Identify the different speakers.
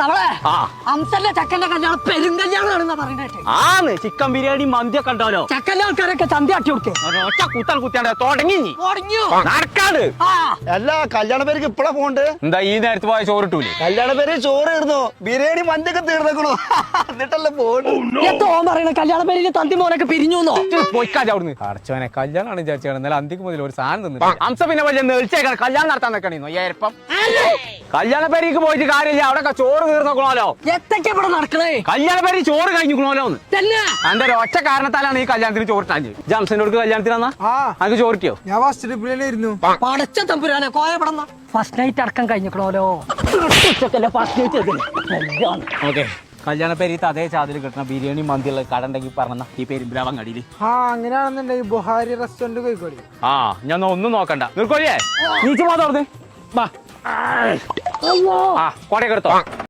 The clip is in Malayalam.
Speaker 1: ചക്കന്റെ കല്യാണം പെരുങ്കല്യാണം
Speaker 2: ആന്ന് ചിക്കൻ ബിരിയാണി മന്തിയൊക്കെ ഉണ്ടാവല്ലോ.
Speaker 1: ചക്കന്റെ ആൾക്കാരൊക്കെ ചന്തി ആട്ടി കൊടുക്കേ
Speaker 2: കുത്തൽ കുത്തിയാണ്ട് തുടങ്ങി നടക്കാട്.
Speaker 3: എല്ലാ കല്യാണ പേർക്ക് ഇപ്പഴാ പോണ്ട്.
Speaker 2: എന്താ ഈ നേരത്ത് പോയ ചോറിട്ടൂലേ?
Speaker 3: കല്യാണ പേര് ചോറ് തീർന്നു, ബിരിയാണി മന്തിയൊക്കെ തീർന്നേക്കണു. എന്നിട്ടല്ലേ
Speaker 1: തോൻ പറയണ കല്യാണ പേരിൽ തന്തി മോനൊക്കെ പിരിഞ്ഞു
Speaker 2: പോയിക്കാതെ അവിടുന്ന്. അടച്ചവനെ കല്യാണമാണ് വിചാരിച്ചാണ്. എന്നാലും അന്തിക്ക് മുതൽ ഒരു സാധനം തിന്നു. അംസ പിന്നെ വലിയ നേഴ്ചേക്കാണ് കല്യാണം നടത്താൻ നിൽക്കണോ ഏപ്പം. കല്യാണ പേരേക്ക് പോയിട്ട് കാര്യമില്ല, അവിടെ ചോറ് തീർന്നോക്കണല്ലോ.
Speaker 1: എത്തൊക്കെ ഇവിടെ നടക്കണേ?
Speaker 2: കല്യാണ പേര് ചോറ് കഴിഞ്ഞോലോ. എന്റെ ഒരു ഒറ്റ കാരണത്താലാണ് ഈ കല്യാണത്തിന് ചോറിട്ടാൻ. ജംസനോട് കല്യാണത്തിനാ അത് ചോറിട്ടിയോ?
Speaker 4: ഞാൻ ഫസ്റ്റ് ട്രിപ്പിലായിരുന്നു.
Speaker 1: പടച്ച തമ്പുരാനെ കോയപ്പെടുന്ന ഫസ്റ്റ് നൈറ്റ് അടക്കം കഴിഞ്ഞോലോ.
Speaker 2: ഓക്കെ, കല്യാണ പേര് അതേ ചാതിൽ കിട്ടണ ബിരിയാണി മന്തിയുള്ള കട ഉണ്ടെങ്കിൽ പറഞ്ഞ ഈ പെരുമ്പിലാവൻ കടിയില്.
Speaker 4: അങ്ങനെയാണെന്നുണ്ടെങ്കിൽ ബുഹാരി റെസ്റ്റോറന്റ് കോഴിക്കോട്.
Speaker 2: ഞാൻ ഒന്നും നോക്കണ്ട. നിർക്കോഴിയേ നീച്ചു പോകാതെ കോടയൊക്കെ എടുത്തോ.